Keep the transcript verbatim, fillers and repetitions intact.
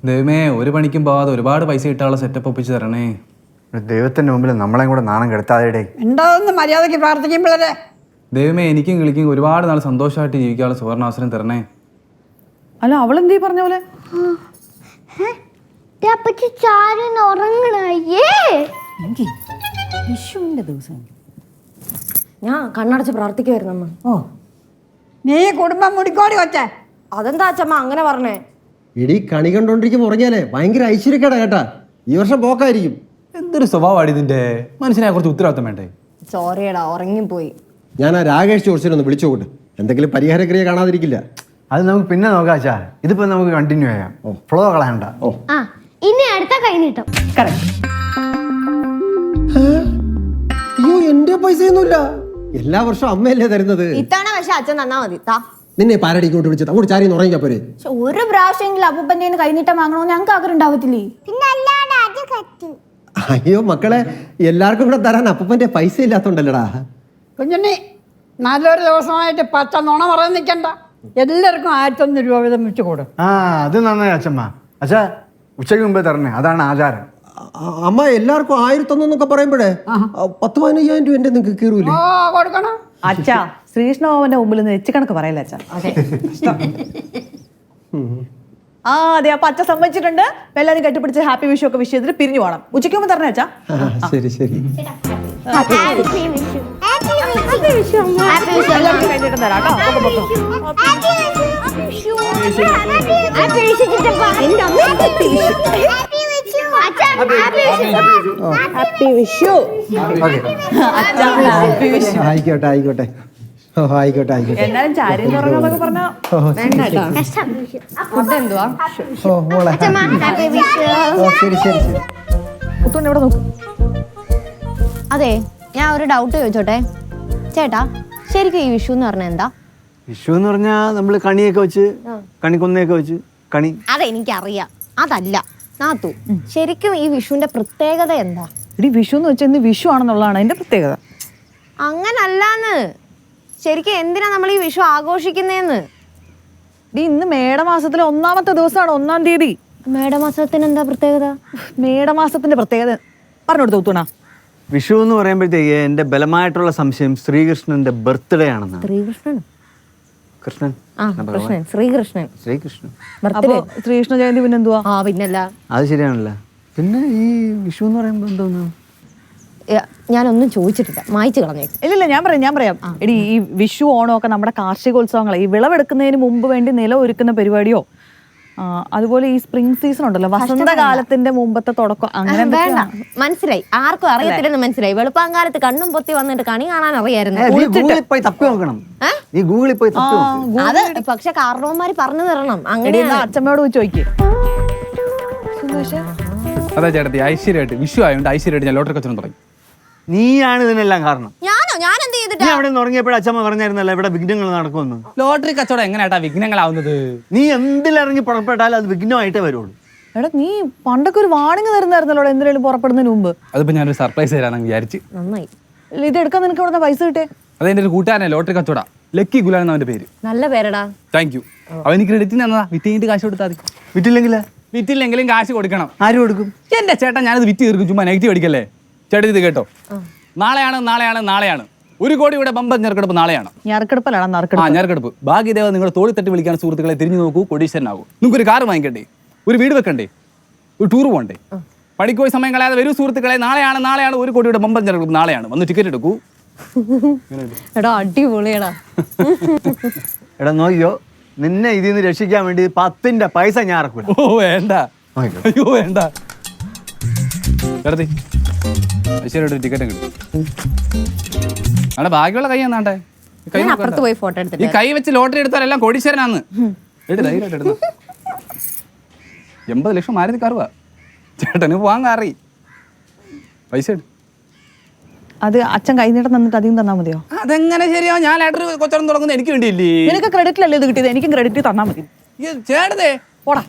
ദൈവമേ, ഒരു പണിക്കും പോവാതെ ഒരുപാട് പൈസ കിട്ടാനുള്ള സെറ്റപ്പ് ഒപ്പിച്ച് തരണേ. ദൈവത്തിന്റെ മുമ്പിൽ നമ്മളെയും കൂടെ നാണം കെടുത്താതെ ഉണ്ടാവുന്ന മര്യാദയ്ക്ക് പ്രാർത്ഥിക്കുമ്പോഴേ. ദൈവമേ, എനിക്കും കിളിക്കും ഒരുപാട് നാൾ സന്തോഷമായിട്ട് ജീവിക്കാനുള്ള സുവർണാവസരം തരണേ. അല്ല, അവളെന്തീ പറഞ്ഞ പോലെ വിഷുവിന്റെ ദിവസം ഞാൻ കണ്ണടച്ച് പ്രാർത്ഥിക്കുമായിരുന്നു. ഓ, നീ കുടുംബം മുടിക്കോടി കൊച്ചേ. അതെന്താ അച്ഛമ്മ അങ്ങനെ പറഞ്ഞേ? ഇടി കണി കണ്ടോണ്ടിരിക്കുമ്പോ ഉറങ്ങിയാലേ ഭയങ്കര ഐശ്വര്യക്കേടാ കേട്ടാ. ഈ വർഷം പോക്കായിരിക്കും. എന്തൊരു സ്വഭാവമാണ് ഇതിന്റെ. മനുഷ്യനെ കുറച്ച് ഉത്തരവാദിത്തം വേണ്ടേ? സോറിയടാ, ഉറങ്ങിപ്പോയി. ഞാൻ ആ രാകേഷ് ചോദിച്ചിട്ടൊന്ന് വിളിച്ചു നോക്കട്ടെ, എന്തെങ്കിലും പരിഹാരക്രിയ കാണാതിരിക്കില്ല. അത് നമുക്ക് പിന്നെ നോക്കാം അച്ഛാ. ഇതിപ്പോ നമുക്ക് കണ്ടിന്യൂ ചെയ്യാം. ഫ്ലോ കളയണ്ട. ഓ ആ, ഇനി അടുത്ത കൈ നീട്ടം. അയ്യോ, എന്റെ പൈസയൊന്നുമില്ല. എല്ലാ വർഷവും അമ്മയല്ലേ തരുന്നത്. ഇത്തവണ പക്ഷെ അച്ഛൻ തന്നാ മതി. താ നിന്നെ പാരടി ഇങ്ങോട്ട് വിളിച്ചത് അങ്ങോട്ട് ചാരി ഉറങ്ങിക്കാ പോരെ. ഒരു പ്രാവശ്യമെങ്കിലും അപ്പൂപ്പന്റെ കൈനീട്ടം വാങ്ങണോ ഞങ്ങൾക്ക് ആഗ്രഹം ഉണ്ടാവത്തില്ലേ? പിന്നെ അല്ലാതെ അത് കറ്റ്. അയ്യോ മക്കളെ, എല്ലാവർക്കും കൂടെ തരാൻ അപ്പൂപ്പന്റെ പൈസ ഇല്ലാത്തോണ്ടല്ലടാ. കുഞ്ഞുണ്ണി, നല്ലൊരു ദിവസമായിട്ട് പച്ച നുണ പറയാൻ നിൽക്കണ്ട. എല്ലാവർക്കും ആയിരത്തൊന്ന് രൂപ വീതം വെച്ച് കൊടു. ആ, അത് നന്നായി അച്ഛമ്മ. അച്ഛാ, ഉച്ചയ്ക്ക് മുമ്പേ തരണേ, അതാണ് ആചാരം. അ- അമ്മ എല്ലാവർക്കും ആയിരത്തൊന്നൊക്കെ പറയുമ്പോഴേ പത്ത് പതിനയ്യായിരം രൂപ എന്റെ നിങ്ങൾക്ക് കീറൂലേ? ഓ, കൊടുക്കണം. അച്ഛാ, ശ്രീകൃഷ്ണഭവന്റെ മുമ്പിൽ നിന്ന് വെച്ച് കണക്ക് പറയല്ല അച്ഛാ. ആ അതെ, അപ്പൊ അച്ഛൻ സമ്മതിച്ചിട്ടുണ്ട്. എല്ലാവരും കെട്ടിപ്പിടിച്ച് ഹാപ്പി വിഷു ഒക്കെ വിഷ് ചെയ്തിട്ട് പിരിഞ്ഞു പോകണം. ഉച്ചയ്ക്ക് മുമ്പ് തരണേ അച്ഛാ. ശരി ശരി. ഹാപ്പി വിഷു. ഹാപ്പി വിഷു അമ്മ. ഹാപ്പി വിഷു. എല്ലാവർക്കും കഴിഞ്ഞിട്ട് തരാം കേട്ടോ. ഹാപ്പി വിഷു. ഹാപ്പി വിഷു ചിറ്റപ്പ. എന്റെ അമ്മ ഹാപ്പി വിഷു. ഹാപ്പി വിഷു. അച്ഛാ, ഹാപ്പി വിഷു. ഹാപ്പി വിഷു. അച്ഛാ, ഹാപ്പി വിഷു. ആയിക്കോട്ടെ ആയിക്കോട്ടെ. ഓ ആയിക്കോട്ടെ ആയിക്കോട്ടെ. എന്നാലും ചാരി തുറങ്ങാന്നൊക്കെ പറഞ്ഞാ കഷ്ടം വിഷു. ഫുഡ് എന്തുവാ? ഓ മോളെ. അച്ഛമ്മ, ഹാപ്പി വിഷു. ഓ ശരി ശരി ശരി. കുത്തോണ്ട് ഇവിടെ നോക്കും. അതെ, ഞാൻ ഒരു ഡൗട്ട് ചോദിച്ചോട്ടെ ചേട്ടാ, ശരിക്കും ഈ വിഷു എന്ന് പറഞ്ഞാൽ എന്താ? വിഷു എന്ന് പറഞ്ഞാൽ നമ്മൾ കണിയൊക്കെ വെച്ച് കണിക്കൊന്നയൊക്കെ വെച്ച് കണി. അതെനിക്കറിയാം, അതല്ല നാത്തു, ശരിക്കും ഈ വിഷുവിന്റെ പ്രത്യേകത എന്താ? ഇടി, വിഷു എന്ന് വെച്ചാൽ ഇന്ന് വിഷു ആണെന്നുള്ളതാണ് അതിന്റെ പ്രത്യേകത. അങ്ങനല്ലാന്ന്, ശരിക്കും എന്തിനാ നമ്മൾ ഈ വിഷു ആഘോഷിക്കുന്നേന്ന്? ഇടി, ഇന്ന് മേടമാസത്തിലെ ഒന്നാമത്തെ ദിവസമാണ്, ഒന്നാം തീയതി. മേടമാസത്തിന് എന്താ പ്രത്യേകത? മേടമാസത്തിന്റെ പ്രത്യേകത പറഞ്ഞു കൊടുത്തു തൂണ. വിഷു എന്ന് പറയുമ്പോഴത്തേക്ക് എൻ്റെ ബലമായിട്ടുള്ള സംശയം ശ്രീകൃഷ്ണന്റെ ബർത്ത്ഡേ ആണെന്നാണ്. ശ്രീകൃഷ്ണൻ. കൃഷ്ണൻ ആ കൃഷ്ണൻ, ശ്രീകൃഷ്ണൻ. ശ്രീകൃഷ്ണൻ. അപ്പൊ ശ്രീകൃഷ്ണ ജയന്തി പിന്നെ എന്തുവാ? ആ പിന്നല്ല. അത് ശരിയാണല്ലോ. പിന്നെ ഈ വിഷു എന്ന് പറയുമ്പോൾ എന്തോന്നു? ഞാനൊന്നും ചോദിച്ചിട്ടില്ല, മായ്ച്ചു കളഞ്ഞേക്കും. ഇല്ലില്ല, ഞാൻ പറയാം ഞാൻ പറയാം എടി, ഈ വിഷു ഓണം ഒക്കെ നമ്മുടെ കാർഷികോത്സവങ്ങളെ ഈ വിളവെടുക്കുന്നതിന് മുമ്പ് വേണ്ടി നിലം ഒരുക്കുന്ന പരിപാടിയോ, അതുപോലെ ഈ സ്പ്രിംഗ് സീസൺ ഉണ്ടല്ലോ, വസന്തകാലത്തിന്റെ മുമ്പത്തെ തുടക്കം, അങ്ങനെ വേണ്ട, മനസ്സിലായി. ആർക്കും അറിയത്തില്ലെന്ന് മനസ്സിലായി. വെളുപ്പാങ്കാലത്ത് കണ്ണും പൊത്തി വന്നിട്ട് കണി കാണാൻ അറിയായിരുന്നു. ഗൂഗിളിൽ പോയി തപ്പി നോക്കണം. ഈ ഗൂഗിളിൽ പോയി തപ്പി നോക്കണം. അത് പക്ഷെ കാരണവന്മാര് പറഞ്ഞു തരണം. അങ്ങനെ അച്ഛമ്മയോട് പോയി ചോദിക്കും. അതെ ചേട്ടത്തി, ഐശ്വര്യമായിട്ട് വിഷു ആയതുകൊണ്ട് ഐശ്വര്യമായിട്ട് ഞാൻ ലോട്ടറി കച്ചവടം തുടങ്ങി. നീയാണ് ഇതിനെല്ലാം കാരണം. ഞാനോ? ഞാൻ എന്ത് ചെയ്തിട്ടാ? നീ അവിടെ ഉറങ്ങിയപ്പോഴും അച്ഛമ്മ പറഞ്ഞായിരുന്നല്ലോ ഇവിടെ വിഘ്നങ്ങൾ നടക്കുമെന്ന്. ലോട്ടറി കച്ചവടം എങ്ങനെയാട്ടാ വിഘ്നങ്ങളാവുന്നത്? നീ എന്തിലിറങ്ങി പുറപ്പെട്ടാലും അത് വിഘ്നമായിട്ടേ വരുള്ളൂ. എടാ, നീ പണ്ടൊക്കെ ഒരു വാണിംഗ് തരുന്നായിരുന്നല്ലോ എന്തിനേലും പുറപ്പെടുന്നതിന് മുമ്പ്. അതിപ്പോ ഞാനൊരു സർപ്രൈസ് തരാന്ന് വിചാരിച്ച്. നന്നായി. ഇത് എടുക്കാൻ നിനക്ക് ഇവിടെ പൈസ കിട്ടേ? അതെന്റെ ഒരു കൂട്ടുകാരനെ ലോട്ടറി കച്ചവടം, ലക്കി ഗുലാൻ അവന്റെ പേര്. നല്ല പേരടാ. Thank you. അവന് ക്രെഡിറ്റിന് തന്നതാ. വിറ്റ് കഴിഞ്ഞിട്ട് കാശ് കൊടുത്താൽ മതി. വിറ്റില്ലെങ്കിൽ വിറ്റില്ലെങ്കിലും കാശ് കൊടുക്കണം. ആര് കൊടുക്കും? എന്റെ ചേട്ടാ, ഞാനത് വിറ്റ് തീർക്കും. ചുമ്മാ നെഗറ്റീവ് അടിക്കല്ലേ. ചേട്ടൻ ഇത് കേട്ടോ, നാളെയാണ് നാളെയാണ് നാളെയാണ് ഒരു കോടി ഇവിടെ ബമ്പർ ഞെറുക്കെടുപ്പ് നാളെയാണ്. ഞെറുക്കെടുപ്പല്ലാണ് ആ നറുക്കെടുപ്പ്. ഞെറുക്കെടുപ്പ്. ഭാഗ്യദേവ നിങ്ങളുടെ തോളി തട്ടി വിളിക്കാൻ സുഹൃത്തുക്കളെ തിരിഞ്ഞു നോക്കൂ, കോടീശ്വരനാകൂ. നിങ്ങൾക്ക് ഒരു കാർ വാങ്ങിക്കണ്ടേ, ഒരു വീട് വെക്കണ്ടേ, ഒരു ടൂർ പോകണ്ടേ, പണിക്ക് പോയി സമയം കളയാതെ വരൂ സുഹൃത്തുക്കളെ. നാളെയാണ് നാളെയാണ് ഒരു കോടിയുടെ ബമ്പർ ഞെറുക്കെടുപ്പ് നാളെയാണ്. വന്ന് ടിക്കറ്റ് എടുക്കൂ. എടാ അടിപൊളിയടാ. എടാ നോക്കിയോ, നിന്നെ ഇതിൽ നിന്ന് രക്ഷിക്കാൻ വേണ്ടി പത്തിന്റെ പൈസ ഞാൻ ഇറക്കൂല. ഓ വേണ്ട, അയ്യോ വേണ്ട. ചേട്ടത്തി ഐശ്വര്യ ടിക്കറ്റ് കിട്ടും. അവിടെ ബാക്കിയുള്ള കൈ എന്നാണ്ടേ, ഞാൻ അപ്പുറത്ത് പോയി ഫോട്ടോ ഈ എടുത്തിട്ട് കൈ വെച്ച് ലോട്ടറി എടുത്താലെല്ലാം കോടീശ്വരനാന്ന്. എടുത്ത് ധൈര്യമായിട്ട് എടുത്തു. എൺപത് ലക്ഷം മാരുതി കാറുവാ. ചേട്ടന് പോവാൻ കാറി. പൈസ എടു. അത് അച്ഛൻ കൈനീട്ടം തന്നിട്ട് അധികം തന്നാ മതിയോ? അതെങ്ങനെ ശരിയാവും? ഞാൻ ലാറ്ററി കൊച്ചടം തുടങ്ങുന്നത് എനിക്ക് വേണ്ടിയില്ലേ? നിനക്ക് ക്രെഡിറ്റിലല്ലേ ഇത് കിട്ടിയത്? എനിക്കും ക്രെഡിറ്റ് തന്നാ മതി. ചേട്ടതേ